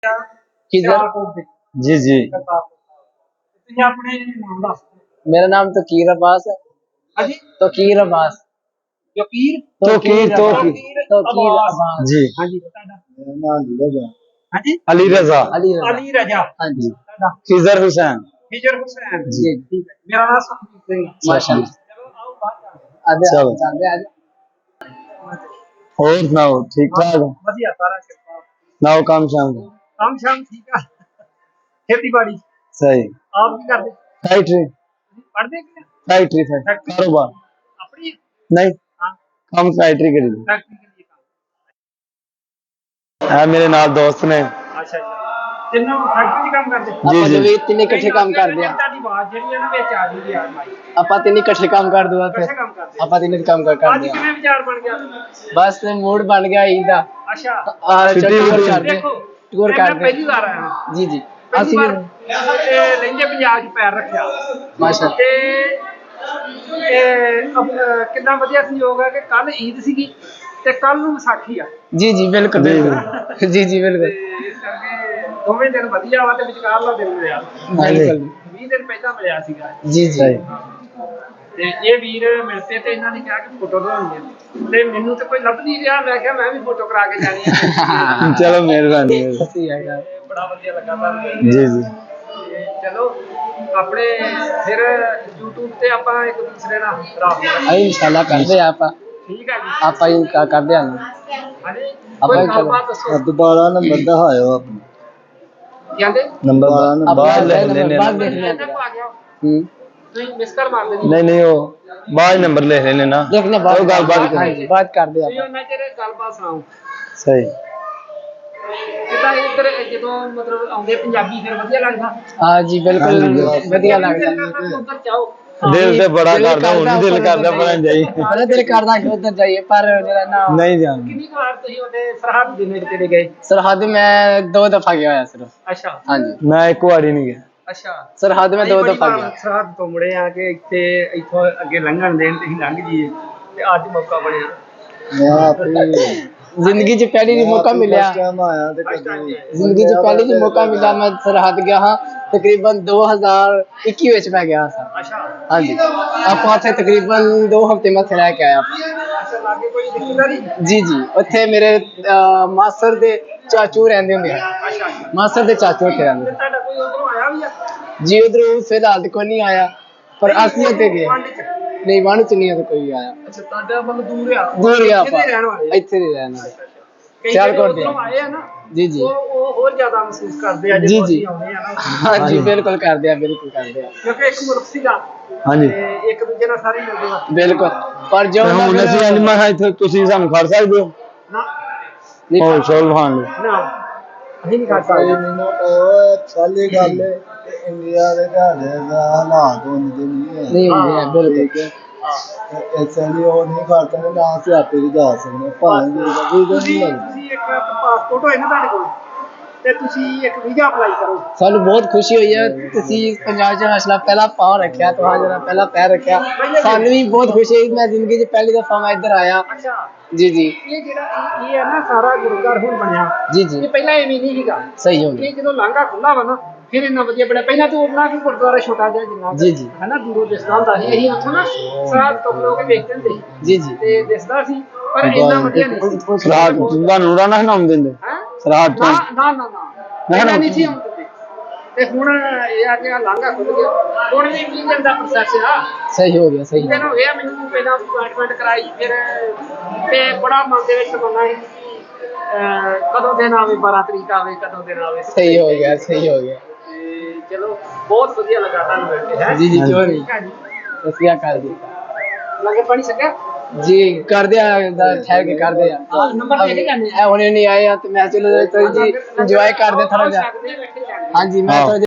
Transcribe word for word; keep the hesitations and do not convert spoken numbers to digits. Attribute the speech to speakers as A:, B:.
A: किधर?
B: जी जी
A: मेरा नाम तो कीर अब्बास है। तो कीर अब्बास
B: तो कीर तो कीर
A: तो कीर अब्बास
B: जी अली रजा
A: अली रजा
B: अली रजा
A: हाँ जी
B: खिजर हुसैन
C: हिजर हुसैन
A: जी
C: ठीक है मेरा नाम सुखबीर सिंह
A: माशाल्लाह
C: चलो आओ बाहर
A: आधे
B: चलो।
A: आधे आधे
B: और सुनाओ ठीक ठाक
C: ਵਧੀਆ ਸਾਰਾ ਕਿਰਪਾ
B: नाओ काम शाम
C: ਕੰਮ ਸ਼ਾਮ ਠੀਕ ਆ ਖੇਤੀਬਾੜੀ
B: सही
C: ਆਪ ਕੀ ਕਰਦੇ
B: फैक्ट्री
C: ਪੜ੍ਹਦੇ ਕਿ
B: फैक्ट्री फैक्ट्री कारोबार
C: ਆਪਣੀ
B: नहीं
C: हाँ
B: हम फैक्ट्री करी
C: फैक्ट्री के लिए काम
B: है मेरे नाल दोस्त ने
C: अच्छा अच्छा ਤਿੰਨੋਂ ਫੈਕਟਰੀ 'ਚ ਕੰਮ ਕਰਦੇ
B: जी
A: ਆਪਾਂ
B: जी
A: ਦੋਵੇਂ ਤਿੰਨੇ ਇਕੱਠੇ ਕੰਮ ਕਰਦੇ ਆ
C: ਤੁਹਾਡੀ ਆਵਾਜ਼ ਜਿਹੜੀ ਹੈ ਨਾ ਵਿੱਚ ਆ ਗਈ ਯਾਰ ਮਾਈ
A: ਆਪਾਂ ਤਿੰਨੇ ਇਕੱਠੇ ਕੰਮ ਕਰ ਦੂਆ ਫਿਰ
C: ਇਕੱਠੇ ਕੰਮ ਕਰਦੇ
A: ਆਪਾਂ ਤਿੰਨੇ ਕੰਮ ਕਰ
C: ਅੱਜ
A: ਕਰਦੇ ਆ
C: ਕਿਵੇਂ ਵਿਚਾਰ ਬਣ ਗਿਆ
A: ਬਸ ਮੂਡ ਬਣ ਗਿਆ ਈਦ ਦਾ
C: ਅੱਛਾ
A: ਆ
B: ਛੁੱਟੀ
A: ਟੂਰ
B: ਹੋਈ।
A: ਕਰਦੇ
C: ਦੇਖੋ
A: ਟੂਰ
C: ਇਹ ਮੈਂ
A: ਕਰਦੇ
C: ਪਹਿਲੀ ਵਾਰ ਆਇਆ ਹਾਂ
A: ਜੀ ਜੀ
C: ਪਹਿਲੀ
A: ਅਸੀਂ
C: ਵਾਰ
A: ਵੀ
C: ਇਹ ਲਹਿੰਦੇ ਪੰਜਾਬ 'ਚ ਪੈਰ ਰੱਖਿਆ
A: ਮਾਸ਼ਾਅੱਲਾ
C: ਤੇ ਇਹ ਅਬ- ਅਹ ਕਿੰਨਾ ਵਧੀਆ ਸੰਯੋਗ ਹੈ ਕਿ ਕੱਲ ਈਦ ਸੀਗੀ ਤੇ ਕੱਲ ਨੂੰ ਵਿਸਾਖੀ ਆ
A: ਜੀ ਜੀ ਬਿਲਕੁਲ ਬਿਲਕੁਲ ਜੀ ਜੀ
C: ਤੇ
A: ਬਿਲਕੁਲ
C: ਇਸ ਕਰਕੇ ਦੋਵੇਂ ਦਿਨ ਵਧੀਆ ਵਾ ਤੇ ਵਿਚਕਾਰਲਾ ਦਿਨ ਮਿਲਿਆ
A: ਬਿਲਕੁਲ
C: ਵੀਹ ਦਿਨ ਪਹਿਲਾਂ ਮਿਲਿਆ ਸੀਗਾ
A: ਜੀ ਜੀ
C: ਤੇ ਇਹ ਵੀਰ ਮਿਲਤੇ ਤੇ ਇਹਨਾਂ ਨੇ ਕਿਹਾ ਕਿ ਫੋਟੋ ਬਣਾਉਣੀ ਹੈ ਤੇ ਮੈਨੂੰ ਤੇ ਕੋਈ ਲੱਭ ਨਹੀਂ ਰਿਹਾ ਮੈਂ ਕਿਹਾ ਮੈਂ ਵੀ ਫੋਟੋ ਕਰਾ ਕੇ ਜਾਣੀ ਹੈ
B: चलो मेहरबानी
A: ਸਹੀ ਹੈਗਾ
C: ਤੇ ਬੜਾ ਵਧੀਆ ਲੱਗਾ ਤੁਹਾਨੂੰ
B: जी जी
C: ਤੇ ਚਲੋ ਆਪਣੇ ਫਿਰ YouTube ਤੇ ਆਪਾਂ ਇੱਕ ਦੂਸਰੇ ਨਾਲ ਰਾਬਤਾ
A: ਆ ਇਨਸ਼ਾਅੱਲਾ ਕਰਦੇ ਆ ਆਪਾਂ
C: ਠੀਕ ਹੈ ਜੀ
A: ਆਪਾਂ ਹੀ ਕ- ਕਰਦੇ ਆ
C: ਹਾਂਜੀ
A: ਆਪਾਂ
C: ਕੋਈ
A: ਹੀ
C: ਗੱਲਬਾਤ ਦੱਸੋ
B: दोबारा नंबर दहायो अपना
C: ਕਹਿੰਦੇ
B: नंबर
A: ਆਪਾਂ
B: बाहर ले लेने
A: ਬਾਅਦ ਦੇਖ
C: ਇੱਧਰ
A: ਲੈਂਦੇ
C: ਨੂੰ ਆ ਗਿਆ
A: ਹੂੰ
C: ਤੁਸੀਂ ਮਿਸ ਕਰ ਮਾਰ ਦੇਣੀ
B: नहीं नहीं वो बाहर नंबर ले लेने ना
A: ਦੇਖਣਾ
B: ਉਹ
A: ਬਾਅਦ
B: ਗੱਲਬਾਤ ਕਰਾਂਗੇ।
A: ਹਾਂਜੀ ਬਾਅਦ ਕਰਦੇ
C: ਤੁਸੀਂ
A: ਆਪਾਂ
C: ਉਹਨਾਂ ਚਿਰ ਗੱਲਬਾਤ ਸੁਣਾਓ
B: सही
C: ਕਿਦਾਂ ਇੱਧਰ ਜਦੋਂ ਮਤਲਬ ਆਉਂਦੇ ਪੰਜਾਬੀ ਫਿਰ ਵਧੀਆ ਲੱਗਦਾ
A: ਹਾਂ ਜੀ ਬਿਲਕੁਲ
B: ਹਾਂਜੀ।
A: ਵਧੀਆ ਲੱਗਦਾ
C: ਉੱਧਰ ਜਾਓ
B: दिल से बड़ा
A: दिल
B: करदा हूं
A: करदा
B: दिल
A: ਉੱਪਰ
B: करदा पर जाई
A: ਬੜਾ ਦਿਲ ਕਰਦਾ ਕਿ ਉੱਧਰ ਜਾਈਏ ਪਰ ਜਿਹੜਾ ਨਾ
B: नहीं जान
C: ਕਿੰਨੀ ਕੁ ਵਾਰ ਤੁਸੀਂ ਉਹਦੇ ਸਰਹੱਦ ਦੇ ਨੇੜੇ ਤੇੜੇ ਗਏ
A: ਸਰਹੱਦ ਮੈਂ ਦੋ ਦਫਾ ਗਿਆ ਹੋਇਆ ਸਿਰਫ
C: ਅੱਛਾ
A: ਹਾਂਜੀ
B: मैं एक बारी नहीं गया
C: ਅੱਛਾ
A: ਸਰਹੱਦ ਮੈਂ
C: ਅਸੀਂ
A: ਦੋ
C: ਬੜੀ
A: ਦਫਾ
C: ਵਾਰ
A: ਗਿਆ
C: ਸਰਹੱਦ ਤੋਂ ਮੁੜੇ ਆ ਕਿ ਇੱਥੇ ਇੱਥੋਂ ਅੱਗੇ ਲੰਘਣ ਦੇਣ ਤੇ ਅਸੀਂ ਲੰਘ ਜੀਏ ਤੇ ਅੱਜ ਮੌਕਾ ਬਣਿਆ
B: मैं अपनी
A: ਜ਼ਿੰਦਗੀ 'ਚ ਪਹਿਲੀ ਵਾਰ ਮੌਕਾ ਮਿਲਿਆ
B: टाइम आया ते
C: First time ਆਏ।
A: ਜ਼ਿੰਦਗੀ 'ਚ ਪਹਿਲੀ ਵਾਰ ਮੌਕਾ ਮਿਲਿਆ ਮੈਂ ਸਰਹੱਦ ਗਿਆ ਹਾਂ ਤਕਰੀਬਨ ਦੋ ਹਜ਼ਾਰ ਇੱਕੀ ਵਿੱਚ ਮੈਂ ਗਿਆ ਸਾਂ
C: ਅੱਛਾ
A: ਹਾਂਜੀ ਆਪਾਂ ਉੱਥੇ ਤਕਰੀਬਨ ਦੋ ਹਫ਼ਤੇ ਮੱਥੇ ਰਹਿ ਕੇ ਆਏ ਆਪਾਂ
C: ਅੱਛਾ ਲਾਗੇ ਕੋਈ ਰਿਸ਼ਤੇਦਾਰੀ
A: ਜੀ ਜੀ ਉੱਥੇ ਮੇਰੇ ਅਹ, ਮਾਸਰ ਦੇ ਚਾਚੂ ਰਹਿੰਦੇ ਹੁੰਦੇ ਆ
C: ਅੱਛਾ
A: ਮਾਸਰ ਦੇ ਚਾਚੂ ਉੱਥੇ ਰਹਿੰਦੇ
C: ਤੇ ਤੁਹਾਡਾ ਕੋਈ ਉਧਰੋਂ ਆਇਆ ਵੀ ਆ
A: ਜੀ ਉਧਰ ਫਿਲਹਾਲ ਤਾਂ ਕੋਈ ਨਹੀਂ ਆਇਆ ਪਰ ਅਸੀਂ ਉੱਥੇ ਗਏ
C: ਪਿੰਡ ਚ
A: ਨਹੀਂ ਵਣ ਚ ਨਹੀਂ ਕੋਈ ਆਇਆ
C: ਅੱਛਾ ਤੁਹਾਡਾ ਮਤਲਬ ਦੂਰ ਆ
A: ਦੂਰ ਗਿਆ
C: ਇੱਥੇ
A: ਆਪਾਂ
C: ਦੇ ਰਹਿਣ ਵਾਲੇ ਆ।
A: ਇੱਥੇ ਨਹੀਂ ਰਹਿਣਾ
C: ਕਈ
A: ਸਿਆਲਕੋਟ
C: ਜਿਹੜੇ
A: ਦੇ।
C: ਉੱਧਰੋਂ ਆਏ ਆ ਨਾ
A: ਜੀ ਜੀ
C: ਉਹ ਉਹ ਹੋਰ ਜ਼ਿਆਦਾ ਮਹਿਸੂਸ ਕਰਦੇ ਆ
A: ਜੀ,
C: ਜਦੋਂ
A: ਜੀ।
C: ਅਸੀਂ ਆਉਂਦੇ ਆ ਨਾ
A: ਹਾਂਜੀ ਬਿਲਕੁਲ ਕਰਦੇ ਆ ਬਿਲਕੁਲ ਕਰਦੇ ਆ
C: ਕਿਉਂਕਿ ਇੱਕ ਮੁਲਕ ਸੀਗਾ
B: हाँ जी
C: ਤੇ ਇੱਕ ਦੂਜੇ ਨਾਲ ਸਾਰੇ ਮਿਲਦੇ ਆ
A: ਬਿਲਕੁਲ ਪਰ ਜੋ
B: ਹੁਣ
A: ਉਹਨਾਂ
B: ਅਸੀਂ
A: ਫਿਰ-
B: ਅਨਮਾ ਹੈ ਤੇ ਤੁਸੀਂ ਸਾਨੂੰ ਖੜ ਸਕਦੇ ਹੋ
C: ਨਾ
A: ਨਹੀਂ,
B: ਹੋਰ ਸ਼ੋਲ ਖਾਨ ਲਈ
C: ਨਾ ਅਸੀਂ ਨਹੀਂ ਕਰ ਸਕਦੇ
B: ਮੈਨੂੰ ਉਹ ਸਾਲੀ ਗੱਲ ਇੰਡੀਆ ਦੇ ਘਰ ਦਾ ਹਾਲਾਤ ਹੁੰਦੇ ਨਹੀਂ ਹੈ
A: ਨਹੀਂ ਹੁੰਦੇ ਆ ਬਿਲਕੁਲ
B: ਠੀਕ ਹੈ ਐਸਾ ਨਹੀਂ ਉਹ ਨਹੀਂ ਕਰਦਾ ਨਾ ਅਸੀਂ ਆਪੇ ਵੀ ਜਾ ਸਕਦੇ ਭਾਵੇਂ ਵੀ ਵੀ
C: ਤੁਸੀਂ
B: ਨਹੀਂ ਲੱਗਦਾ
C: ਤੁਸੀਂ ਇੱਕ ਪਾਸਪੋਰਟ ਹੋਏ ਨਾ ਤੁਹਾਡੇ ਕੋਲ ਤੇ ਤੁਸੀਂ ਇੱਕ ਵੀਜ਼ਾ ਅਪਲਾਈ ਕਰੋ
A: ਸਾਨੂੰ ਬਹੁਤ ਖੁਸ਼ੀ ਹੋਈ ਹੈ ਤੁਸੀਂ ਪੰਜਾਬ 'ਚ ਹਸਲਾ ਪਹਿਲਾ ਪਾਉ ਰੱਖਿਆ ਤੁਹਾਡਾ ਜਿਹੜਾ ਪਹਿਲਾ ਪੈਰ ਰੱਖਿਆ ਸਾਨੂੰ ਵੀ ਬਹੁਤ ਖੁਸ਼ੀ ਹੋਈ ਮੈਂ ਜ਼ਿੰਦਗੀ 'ਚ ਪਹਿਲੀ ਦਫਾ ਮੈਂ ਇੱਧਰ ਆਇਆ
C: ਅੱਛਾ
A: ਜੀ ਜੀ
C: ਇਹ ਜਿਹੜਾ ਇਹ- ਇਹ ਹੈ ਨਾ ਸਾਰਾ ਗੁਰੂਘਰ ਹੁਣ ਬਣਿਆ
A: ਜੀ
C: ਇਹ
A: ਜੀ
C: ਪਹਿਲਾਂ ਐਵੇਂ ਨਹੀਂ ਸੀਗਾ
A: ਸਹੀ ਹੋ ਗਿਆ
C: ਇਹ ਜਦੋਂ ਲਾਂਘਾ ਖੁੱਲਾ ਵਾ ਨਾ ਫਿਰ ਇੰਨਾ ਵਧੀਆ ਬਣਿਆ ਪਹਿਲਾਂ ਤਾਂ ਉਹਨਾਂ ਵੀ ਗੁਰਦੁਆਰਾ ਛੋਟਾ ਜਿਹਾ ਜਿੰਨਾ
A: ਜੀ, ਜੀ।
C: ਹੈ ਨਾ ਦੂਰੋਂ ਦਿਸਦਾ ਹੁੰਦਾ ਸੀ ਅਸੀਂ ਉੱਥੋਂ ਨਾ ਸਾਰਾ ਤੋਂ ਲੋਕ ਵੇਖਦੇ ਹੁੰਦੇ ਸੀ
A: ਜੀ ਜੀ
C: ਤੇ ਦਿਸਦਾ ਸੀ ਪਰ ਇੰਨਾ ਵਧੀਆ ਨਹੀਂ ਸੀ
B: ਰਾਤ ਤੁਹਾਨੂੰ ਨਾ ਹਨਾਉਂ ਦਿੰਦੇ
C: ਹੈਂ?
B: ਰਾਤ
C: ਨਾ
B: ਤੋਂ
C: ਨਾ ਨਾ ਨਾ ਪਹਿਲਾਂ ਨਹੀਂ ਸੀ ਹੁੰਦੇ ਤੇ ਹੁਣ ਇਹ ਆ ਕਿ ਆਹ ਲਾਂਘਾ ਖੁੱਲ ਗਿਆ ਹੁਣ ਵੀ ਵੀਹ ਦਿਨ ਦਾ ਪ੍ਰੋਸੈਸ ਆ
A: ਸਹੀ ਹੋ ਗਿਆ ਸਹੀ ਹੋ
C: ਦਿਨ ਹੋ ਗਿਆ ਮੈਨੂੰ ਪਹਿਲਾਂ ਅਪਾਇੰਟਮੈਂਟ ਕਰਾਈ ਫਿਰ ਤੇ ਬੜਾ ਮਨ ਦੇ ਵਿੱਚ ਤਮੰਨਾ ਸੀ ਕਿ ਅਹ, ਕਦੋਂ ਦਿਨ ਆਵੇ ਬਾਰਾਂ ਤਰੀਕ ਆਵੇ ਕਦੋਂ ਦਿਨ ਆਵੇ
A: ਸਹੀ ਹੋ ਗਿਆ ਸਹੀ ਹੋ ਗਿਆ
C: ਤੇ ਚਲੋ ਬਹੁਤ ਵਧੀਆ ਲੱਗਾ ਤੁਹਾਨੂੰ ਮਿਲ ਕੇ ਹੈ
A: ਜੀ ਜੀ ਕਿਉਂ ਨਹੀਂ
C: ਠੀਕ ਆ ਜੀ
A: ਸਤਿ ਸ਼੍ਰੀ ਅਕਾਲ ਜੀ
C: ਲੰਗਰ ਪਾਣੀ ਛਕਿਆ
A: ਜੀ ਕਰਦੇ ਆ ਦਾ ਠਹਿਰ ਕੇ ਕਰਦੇ ਆ
C: ਆਹ, ਨੰਬਰ ਦੇ ਕੇ ਜਾਂਦੇ ਆ।
A: ਇਹ ਹੁਣੇ ਨਹੀਂ ਆਏ ਆ ਤੇ ਮੈਂ ਚਲੋ ਜੀ ਇੰਜੋਏ ਕਰਦੇ ਥੋੜਾ ਜਿਹਾ
C: ਛਕਦੇ ਬੈਠੇ ਛਕਦੇ
A: ਹਾਂਜੀ ਮੈਂ
B: ਹਾਂ।
A: ਥੋੜਾ